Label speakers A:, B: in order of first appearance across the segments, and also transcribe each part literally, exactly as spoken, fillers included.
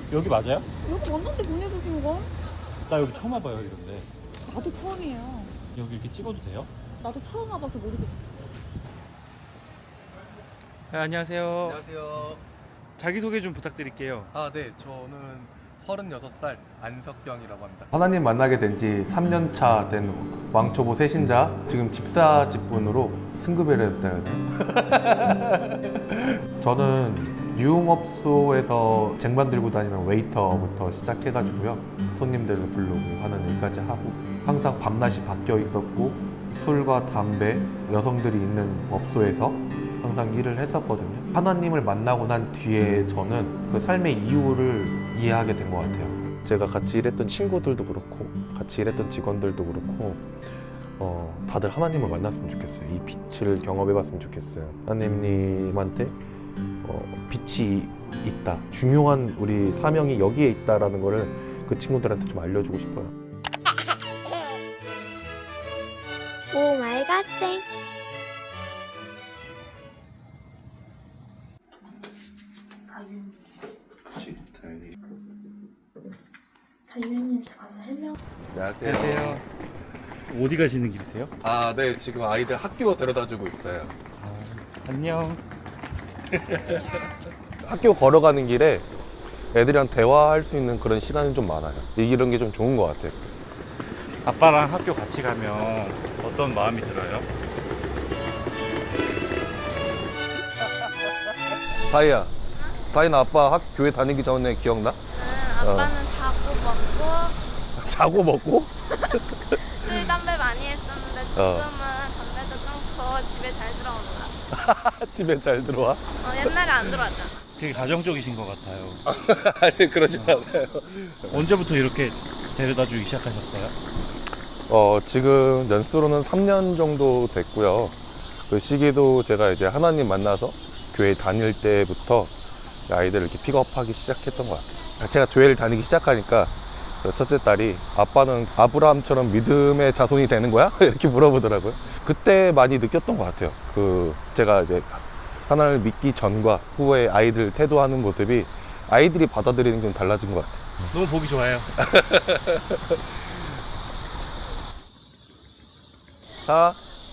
A: 여기 맞아요?
B: 여기 왔는데 보내주신 걸?
A: 나 여기 처음 와봐요 이런데.
B: 나도 처음이에요.
A: 여기 이렇게 찍어도 돼요?
B: 나도 처음 와봐서 모르겠어.
A: 네, 안녕하세요.
C: 안녕하세요.
A: 자기소개 좀 부탁드릴게요.
C: 아, 네. 저는 서른여섯 살 안석경이라고 합니다.
D: 하나님 만나게 된 지 삼 년 차 된 왕초보 세신자, 지금 집사 직분으로 승급을 했다 해야 되나? 저는 유흥업소에서 쟁반 들고 다니는 웨이터부터 시작해가지고요, 손님들을 부르고 하는 일까지 하고, 항상 밤낮이 바뀌어 있었고 술과 담배, 여성들이 있는 업소에서 항상 일을 했었거든요. 하나님을 만나고 난 뒤에 저는 그 삶의 이유를 이해하게 된 것 같아요. 제가 같이 일했던 친구들도 그렇고 같이 일했던 직원들도 그렇고 어, 다들 하나님을 만났으면 좋겠어요. 이 빛을 경험해봤으면 좋겠어요. 하나님님한테 어, 빛이 있다, 중요한 우리 사명이 여기에 있다라는 거를 그 친구들한테 좀 알려주고 싶어요.
E: 오 마이 갓 생.
B: 달윤이한테 가서 해명.
C: 안녕하세요.
A: 안녕하세요. 어디 가시는 길이세요?
C: 아, 네. 지금 아이들 학교 데려다주고 있어요.
A: 안녕.
D: 학교 걸어가는 길에 애들이랑 대화할 수 있는 그런 시간이 좀 많아요. 이런 게 좀 좋은 것 같아요.
A: 아빠랑 학교 같이 가면 어떤 마음이 들어요?
D: 다이야, 다이나 아빠 학 교회 다니기 전에 기억나?
E: 응, 아빠는 자고 먹고
D: 자고 먹고?
E: 술 담배 많이 했었는데 지금은
D: 어.
E: 담배도 끊고 집에 잘 들어온다.
D: 집에 잘 들어와?
E: 어, 옛날에 안 들어왔잖아.
A: 되게 가정적이신 것 같아요.
D: 아니, 그러진 않아요.
A: 언제부터 이렇게 데려다 주기 시작하셨어요?
D: 어, 지금 연수로는 삼 년 정도 됐고요. 그 시기도 제가 이제 하나님 만나서 교회 다닐 때부터 아이들을 이렇게 픽업하기 시작했던 것 같아요. 제가 교회를 다니기 시작하니까 첫째 딸이 아빠는 아브라함처럼 믿음의 자손이 되는 거야? 이렇게 물어보더라고요. 그때 많이 느꼈던 것 같아요. 그 제가 이제 하나님을 믿기 전과 후에 아이들 태도하는 모습이 아이들이 받아들이는 게 좀 달라진 것 같아요.
A: 너무 보기 좋아요.
D: 자,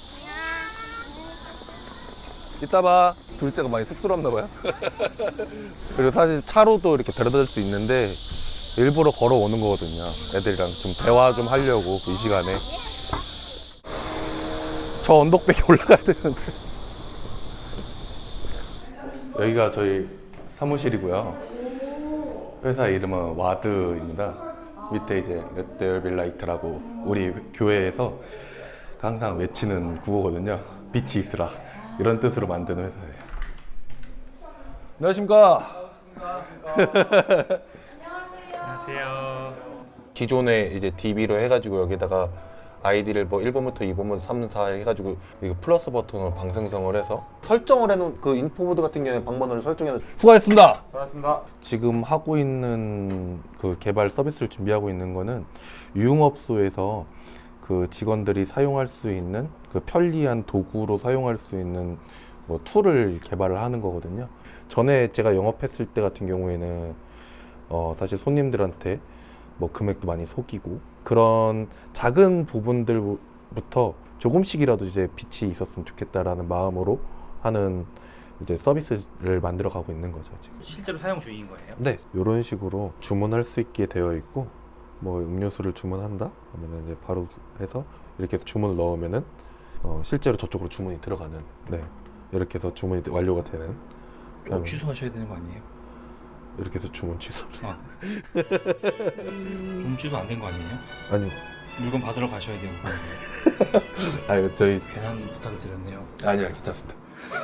D: 이따 봐. 둘째가 많이 쑥스럽나 봐요. 그리고 사실 차로도 이렇게 데려다 줄 수 있는데 일부러 걸어오는 거거든요. 애들이랑 좀 대화 좀 하려고 이 시간에. 저 언덕백에 올라가야 되는데. 여기가 저희 사무실이고요. 회사 이름은 와드입니다. 밑에 이제 Let there be light라고 우리 교회에서 항상 외치는 구호거든요. 빛이 있으라, 이런 뜻으로 만드는 회사예요. 안녕하십니까.
A: 안녕하세요.
D: 기존에 이제 디비로 해가지고 여기다가 아이디를 뭐 일 번부터 이 번부터 삼 번, 사 번 해가지고 이거 플러스 버튼으로 방생성을 해서 설정을 해놓은 그 인포보드 같은 경우에 방번호를 설정해서 수고하셨습니다.
A: 수고하셨습니다.
D: 지금 하고 있는 그 개발 서비스를 준비하고 있는 거는 유흥업소에서 그 직원들이 사용할 수 있는 그 편리한 도구로 사용할 수 있는 뭐 툴을 개발을 하는 거거든요. 전에 제가 영업했을 때 같은 경우에는 어 사실 손님들한테 뭐 금액도 많이 속이고 그런 작은 부분들부터 조금씩이라도 이제 빛이 있었으면 좋겠다라는 마음으로 하는 이제 서비스를 만들어 가고 있는 거죠, 지금.
A: 실제로 사용 중인 거예요?
D: 네, 이런 식으로 주문할 수 있게 되어 있고, 뭐 음료수를 주문한다 하면은 이제 바로 해서 이렇게 해서 주문을 넣으면은 어 실제로 저쪽으로 주문이 들어가는, 네, 이렇게 해서 주문이 완료가 되는.
A: 어, 취소하셔야 되는 거 아니에요?
D: 이렇게 해서 주문 취소를.
A: 아. 좀 취소 안 된 거 아니에요?
D: 아니,
A: 물건 받으러 가셔야 되는 거
D: 아니 저희
A: 괜한 부탁을 드렸네요.
D: 아니요, 괜찮습니다.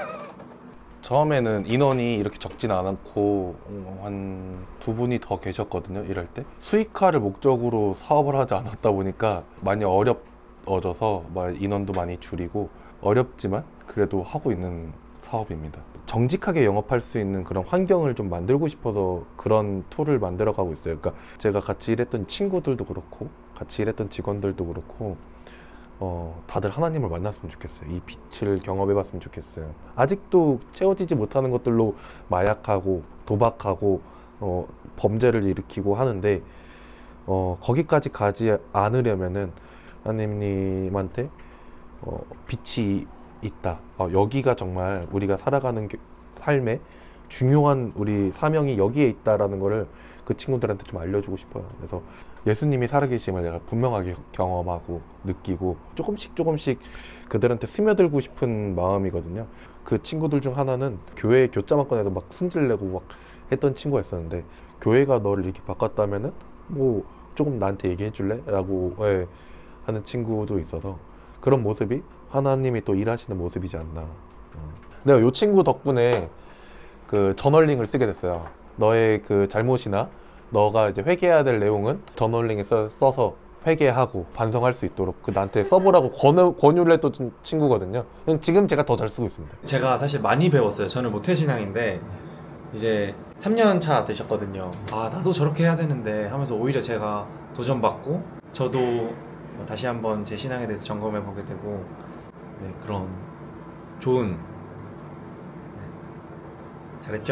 D: 처음에는 인원이 이렇게 적진 않았고 한 두 분이 더 계셨거든요, 일할 때. 수익화를 목적으로 사업을 하지 않았다 보니까 많이 어려워져서 인원도 많이 줄이고, 어렵지만 그래도 하고 있는 사업입니다. 정직하게 영업할 수 있는 그런 환경을 좀 만들고 싶어서 그런 툴을 만들어 가고 있어요. 그러니까 제가 같이 일했던 친구들도 그렇고 같이 일했던 직원들도 그렇고 어, 다들 하나님을 만났으면 좋겠어요. 이 빛을 경험해 봤으면 좋겠어요. 아직도 채워지지 못하는 것들로 마약하고 도박하고 어, 범죄를 일으키고 하는데 어, 거기까지 가지 않으려면은 하나님한테 어, 빛이 있다. 어, 여기가 정말 우리가 살아가는 교- 삶의 중요한 우리 사명이 여기에 있다라는 거를 그 친구들한테 좀 알려주고 싶어요. 그래서 예수님이 살아계심을 내가 분명하게 경험하고 느끼고 조금씩 조금씩 그들한테 스며들고 싶은 마음이거든요. 그 친구들 중 하나는 교회 교자만권에도 막 승질내고 막 했던 친구가 있었는데, 교회가 너를 이렇게 바꿨다면은 뭐 조금 나한테 얘기해 줄래? 라고 예, 하는 친구도 있어서 그런 모습이 하나님이 또 일하시는 모습이지 않나. 어. 내가 이 친구 덕분에 그 저널링을 쓰게 됐어요. 너의 그 잘못이나 너가 이제 회개해야 될 내용은 저널링에 써, 써서 회개하고 반성할 수 있도록 그 나한테 써보라고 권유, 권유를 했던 친구거든요. 지금 제가 더 잘 쓰고 있습니다.
F: 제가 사실 많이 배웠어요. 저는 모태신앙인데 이제 삼 년 차 되셨거든요. 아 나도 저렇게 해야 되는데 하면서 오히려 제가 도전받고 저도 뭐 다시 한번 제 신앙에 대해서 점검해 보게 되고, 네, 그런 좋은, 네, 잘했죠?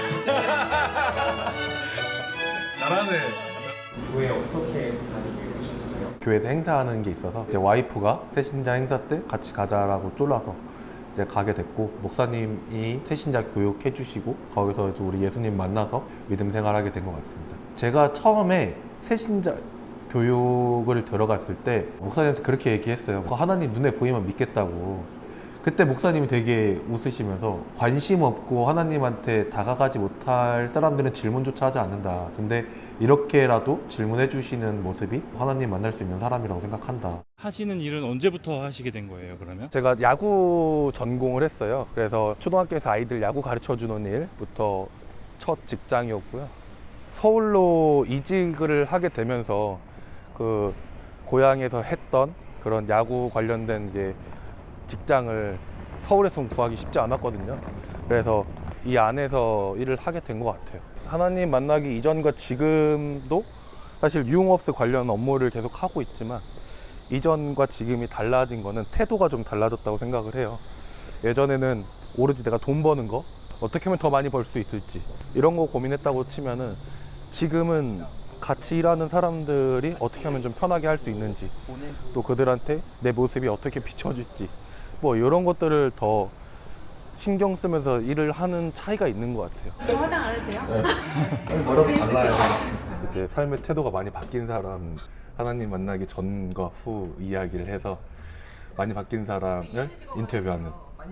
C: 잘하네.
F: 교회 어떻게 다니게 되셨어요?
D: 교회에서 행사하는 게 있어서 이제 와이프가 새신자 행사 때 같이 가자라고 쫄라서 이제 가게 됐고, 목사님이 새신자 교육해 주시고 거기서 이제 우리 예수님 만나서 믿음 생활하게 된 것 같습니다. 제가 처음에 새신자 교육을 들어갔을 때 목사님한테 그렇게 얘기했어요. 그거 하나님 눈에 보이면 믿겠다고. 그때 목사님이 되게 웃으시면서 관심 없고 하나님한테 다가가지 못할 사람들은 질문조차 하지 않는다. 근데 이렇게라도 질문해 주시는 모습이 하나님 만날 수 있는 사람이라고 생각한다.
A: 하시는 일은 언제부터 하시게 된 거예요, 그러면?
D: 제가 야구 전공을 했어요. 그래서 초등학교에서 아이들 야구 가르쳐 주는 일부터 첫 직장이었고요. 서울로 이직을 하게 되면서 그 고향에서 했던 그런 야구 관련된 이제 직장을 서울에서는 구하기 쉽지 않았거든요. 그래서 이 안에서 일을 하게 된 것 같아요. 하나님 만나기 이전과 지금도 사실 유흥업소 관련 업무를 계속 하고 있지만 이전과 지금이 달라진 거는 태도가 좀 달라졌다고 생각을 해요. 예전에는 오로지 내가 돈 버는 거, 어떻게 하면 더 많이 벌 수 있을지 이런 거 고민했다고 치면은 지금은 같이 일하는 사람들이 어떻게 하면 좀 편하게 할 수 있는지, 또 그들한테 내 모습이 어떻게 비춰질지, 뭐 이런 것들을 더 신경 쓰면서 일을 하는 차이가 있는 것 같아요.
E: 저 화장 안 해도 돼요?
D: 뭐라도 달라요. 이제 삶의 태도가 많이 바뀐 사람, 하나님 만나기 전과 후 이야기를 해서 많이 바뀐 사람을 인터뷰하는.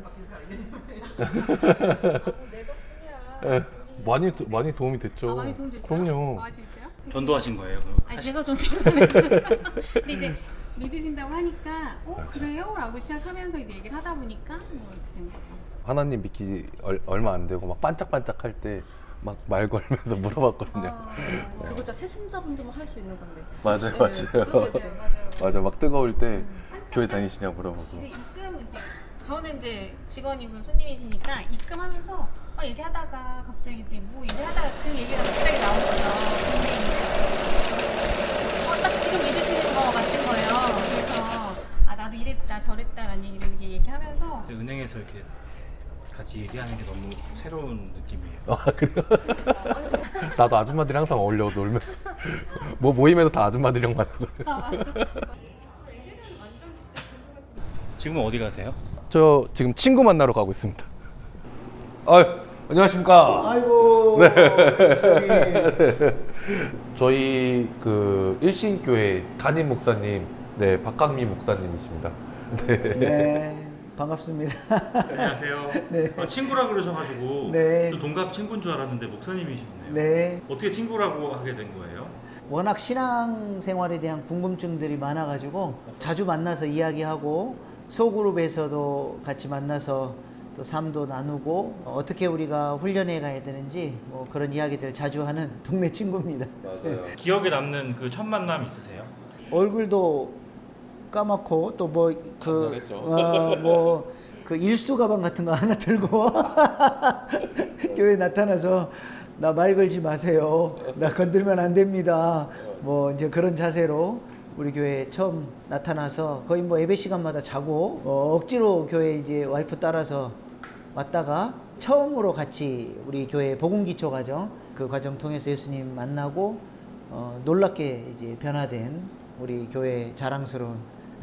E: 내 덕분이야.
D: 예, 많이 도- 많이 도움이 됐죠.
E: 아, 많이 도움 됐어요?
D: 그럼요.
E: 아 진짜요?
A: 전도하신 거예요?
E: 아니 제가 좀 질문했어요. 근데 이제 믿으신다고 하니까 어
D: 맞아.
E: 그래요? 라고 시작하면서 이제 얘기를 하다 보니까 뭐 이렇게 된 거죠.
D: 하나님 믿기 얼, 얼마 안 되고 막 반짝반짝 할 때 막 말 걸면서 물어봤거든요.
G: 아, 그거 진짜 새신자분들만 할 수 있는 건데.
D: 맞아요,
G: 네,
D: 맞아요.
G: 그거
E: 맞아요, 맞아요.
D: 맞아, 막 뜨거울 때 교회 다니시냐고 물어보고.
E: 이제 입금 이제 저는 이제 직원이고 손님이시니까 입금하면서 막 얘기하다가 갑자기 이제 뭐 얘기하다가 그 얘기가 갑자기 나온 거죠. 근데 이제 어, 딱 지금 믿으시는 거 같은 거예요. 그래서 아 나도 이랬다 저랬다라는 얘기를 이렇게 얘기하면서
A: 이제 은행에서 이렇게 같이 얘기하는 게 너무 새로운 느낌이에요.
D: 아, 그래요? 나도 아줌마들이 항상 어울려 놀면서 뭐 모임에서 다 아줌마들이랑 만나고.
E: 애들은 완전 진짜 그거 같은
A: 지금은 어디 가세요?
D: 저 지금 친구 만나러 가고 있습니다. 아유, 안녕하십니까.
H: 아이고 집사님.
D: 저희 그 일신교회 담임 목사님, 네, 박강미 목사님이십니다. 네.
H: 네 반갑습니다.
A: 안녕하세요.
H: 네.
A: 어, 친구라 그러셔가지고
H: 네.
A: 저 동갑 친구인 줄 알았는데 목사님이셨네요.
H: 네
A: 어떻게 친구라고 하게 된 거예요?
H: 워낙 신앙생활에 대한 궁금증들이 많아가지고 자주 만나서 이야기하고 소그룹에서도 같이 만나서 또 삶도 나누고 어떻게 우리가 훈련해 가야 되는지 뭐 그런 이야기들 자주 하는 동네 친구입니다.
D: 맞아요.
A: 기억에 남는 그 첫 만남 있으세요?
H: 얼굴도 까맣고 또 뭐 그
D: 감사했죠.
H: 어, 뭐 그 일수 가방 같은 거 하나 들고 교회 나타나서 나 말 걸지 마세요. 나 건들면 안 됩니다. 뭐 이제 그런 자세로 우리 교회에 처음 나타나서 거의 뭐 예배 시간마다 자고 어, 억지로 교회 이제 와이프 따라서 왔다가 처음으로 같이 우리 교회 복음기초 과정 그 과정 통해서 예수님 만나고 어, 놀랍게 이제 변화된 우리 교회 자랑스러운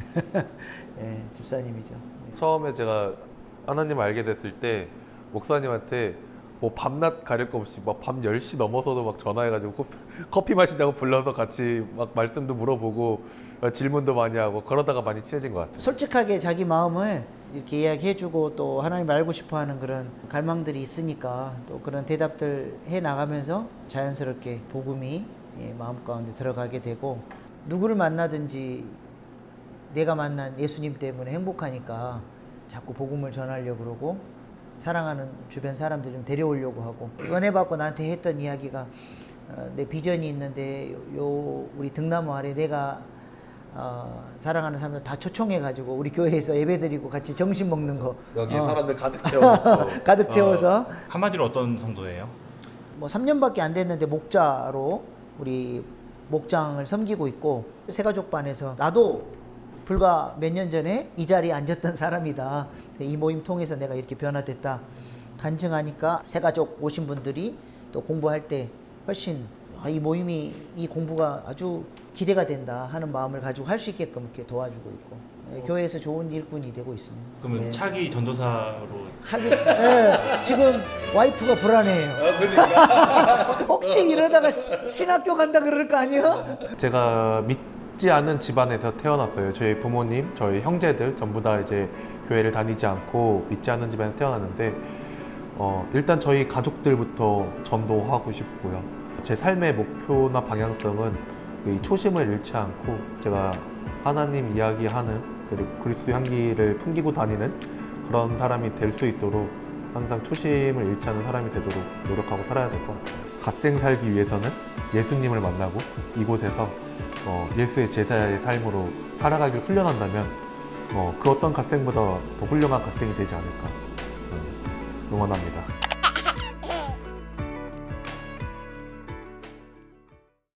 H: 예, 집사님이죠.
D: 처음에 제가 하나님 알게 됐을 때 목사님한테 뭐 밤낮 가릴 거 없이 막 밤 열 시 넘어서도 막 전화해가지고 커피, 커피 마시자고 불러서 같이 막 말씀도 물어보고 질문도 많이 하고 그러다가 많이 친해진 것 같아요.
H: 솔직하게 자기 마음을 이렇게 이야기해주고 또 하나님 알고 싶어하는 그런 갈망들이 있으니까 또 그런 대답들 해 나가면서 자연스럽게 복음이 예, 마음 가운데 들어가게 되고 누구를 만나든지 내가 만난 예수님 때문에 행복하니까 자꾸 복음을 전하려고 그러고 사랑하는 주변 사람들 좀 데려오려고 하고 은혜 받고 나한테 했던 이야기가 어, 내 비전이 있는데 요, 요 우리 등나무 아래 내가 어, 사랑하는 사람들 다 초청해가지고 우리 교회에서 예배드리고 같이 점심 먹는 거
D: 여기
H: 어.
D: 사람들 가득 채워놓고
H: 가득 채워서
A: 한마디로 어떤 성도예요?
H: 뭐 삼 년밖에 안 됐는데 목자로 우리 목장을 섬기고 있고 새가족반에서 나도 불과 몇 년 전에 이 자리에 앉았던 사람이다. 이 모임 통해서 내가 이렇게 변화됐다 간증하니까 새가족 오신 분들이 또 공부할 때 훨씬 아, 이 모임이 이 공부가 아주 기대가 된다 하는 마음을 가지고 할 수 있게끔 이렇게 도와주고 있고 예, 교회에서 좋은 일꾼이 되고 있습니다.
A: 그러면
H: 예.
A: 차기 전도사로
H: 자기 예, 지금 와이프가 불안해요. 혹시 이러다가 시- 신학교 간다 그럴 거 아니야?
D: 제가 믿지 않은 집안에서 태어났어요. 저희 부모님, 저희 형제들 전부 다 이제 교회를 다니지 않고 믿지 않는 집안에서 태어났는데 어, 일단 저희 가족들부터 전도하고 싶고요. 제 삶의 목표나 방향성은 이 초심을 잃지 않고 제가 하나님 이야기하는 그리고 그리스도 향기를 풍기고 다니는 그런 사람이 될 수 있도록 항상 초심을 잃지 않는 사람이 되도록 노력하고 살아야 될 것 같아요. 갓생 살기 위해서는 예수님을 만나고 이곳에서 어, 예수의 제자의 삶으로 살아가길 훈련한다면 어, 그 어떤 갓생보다 더 훌륭한 갓생이 되지 않을까 음, 응원합니다.